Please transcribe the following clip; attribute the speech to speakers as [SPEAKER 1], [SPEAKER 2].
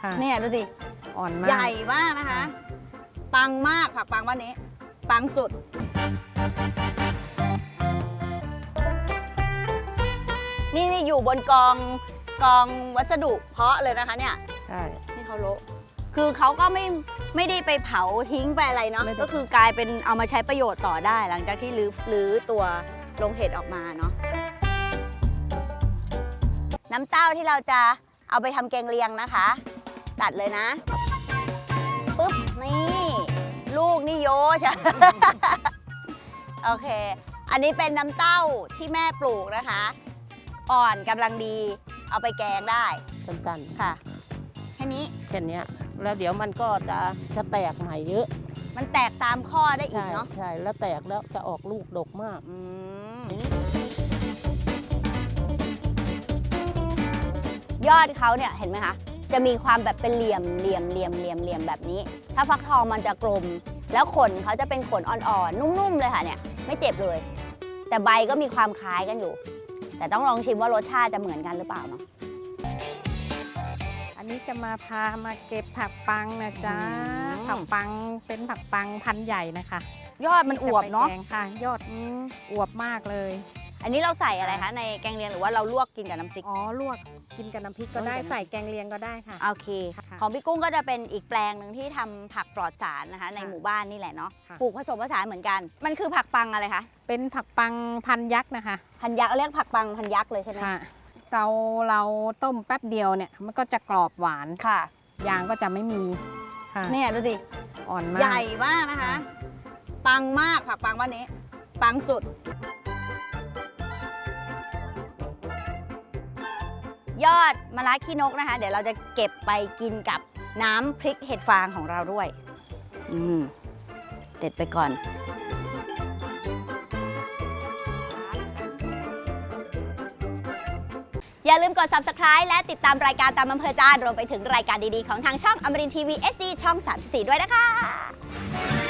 [SPEAKER 1] เนี่ยดูสิ
[SPEAKER 2] อ่อนมาก
[SPEAKER 1] ใหญ่มากนะคะปังมากผักปังบ้านนี้ปังสุดนี่อยู่บนกองวัสดุเพาะเลยนะคะเนี่ย
[SPEAKER 2] ใช่
[SPEAKER 1] นี่เขาโละคือเขาก็ไม่ได้ไปเผาทิ้งไปอะไรเนาะก็คือกลายเป็นเอามาใช้ประโยชน์ต่อได้หลังจากที่รื้อตัวโรงเห็ดออกมาเนาะน้ำเต้าที่เราจะเอาไปทำแกงเลียงนะคะตัดเลยนะปุ๊บนี่ลูกนี่โยชะ โอเคอันนี้เป็นน้ำเต้าที่แม่ปลูกนะคะอ่อนกำลังดีเอาไปแกงได้
[SPEAKER 2] ตันๆ
[SPEAKER 1] ค่ะแค่นี้
[SPEAKER 2] แค่นี้แล้วเดี๋ยวมันก็จะแตกใหม่เยอะ
[SPEAKER 1] มันแตกตามข้อได้อีกเนาะ
[SPEAKER 2] ใช่แล้วแตกแล้วจะออกลูกดกมาก
[SPEAKER 1] ยอดเขาเนี่ยเห็นไหมคะจะมีความแบบเป็นเหลี่ยมแบบนี้ถ้าฟักทองมันจะกลมแล้วขนเขาจะเป็นขนอ่อนๆนุ่มๆเลยค่ะเนี่ยไม่เจ็บเลยแต่ใบก็มีความคล้ายกันอยู่แต่ต้องลองชิมว่ารสชาติจะเหมือนกันหรือเปล่าเนาะ
[SPEAKER 2] อันนี้จะมาเก็บผักปังนะจ๊ะผักปังเป็นผักปังพันธุ์ใหญ่นะคะ
[SPEAKER 1] ยอดมันอวบเนาะ
[SPEAKER 2] ค่ะยอดอวบมากเลย
[SPEAKER 1] อันนี้เราใส่อะไรคะในแกงเลียงหรือว่าเราลวกกินกับน้ำพริก
[SPEAKER 2] ลวกกินกับน้ำพริกก็ได้ใส่แกงเลียงก็ได้ค่ะ
[SPEAKER 1] โอเคของพี่กุ้งก็จะเป็นอีกแปลงหนึ่งที่ทำผักปลอดสารนะคะในหมู่บ้านนี่แหละเนาะปลูกผสมผสานเหมือนกันมันคือผักปังอะไรคะ
[SPEAKER 2] เป็นผักปังพันยักษ์นะคะ
[SPEAKER 1] พันยักษ์เรียกผักปังพันยักษ์เลยใช่ไหม
[SPEAKER 2] ค่ะเราต้มแป๊บเดียวเนี่ยมันก็จะกรอบหวาน
[SPEAKER 1] ค่ะ
[SPEAKER 2] ยางก็จะไม่มี
[SPEAKER 1] ค่ะเนี่ยดูสิ
[SPEAKER 2] อ่อนมาก
[SPEAKER 1] ใหญ่มากนะคะปังมากผักปังบ้านนี้ปังสุดยอดมะระขี้นกนะคะเดี๋ยวเราจะเก็บไปกินกับน้ำพริกเห็ดฟางของเราด้วยเด็ดไปก่อนอย่าลืมกด Subscribe และติดตามรายการตามอำเภอใจรวมไปถึงรายการดีๆของทางช่องอมรินทร์ทีวี SD ช่อง 34 ด้วยนะคะ